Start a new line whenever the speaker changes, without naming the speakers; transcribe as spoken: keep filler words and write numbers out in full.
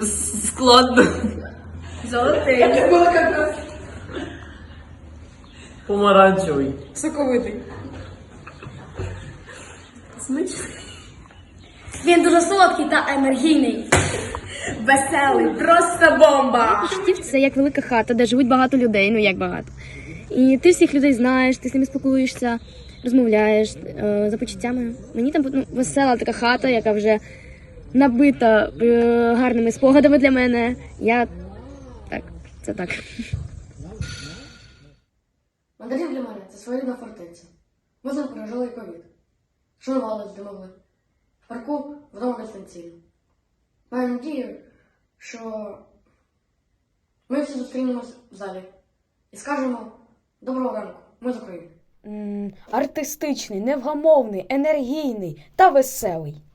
Складно.
Золотий.
Помаранчевий.
Соковитий.
Смачний.
Він дуже солодкий та енергійний. Веселий, просто бомба.
Штів це як велика хата, де живуть багато людей, ну як багато. І ти всіх людей знаєш, ти з ними спілкуєшся, розмовляєш е, за почуттями. Мені там ну, весела така хата, яка вже набита е, гарними спогадами для мене. Я так, це так.
Мандарин для мене це своєрідна фортеця. Ми з ним пережили ковід. Шанували, де могли. В парку вдома дистанційно. Маю надію, що ми всі зустрінемось в залі і скажемо доброго ранку, ми з України.
Артистичний, невгамовний, енергійний та веселий.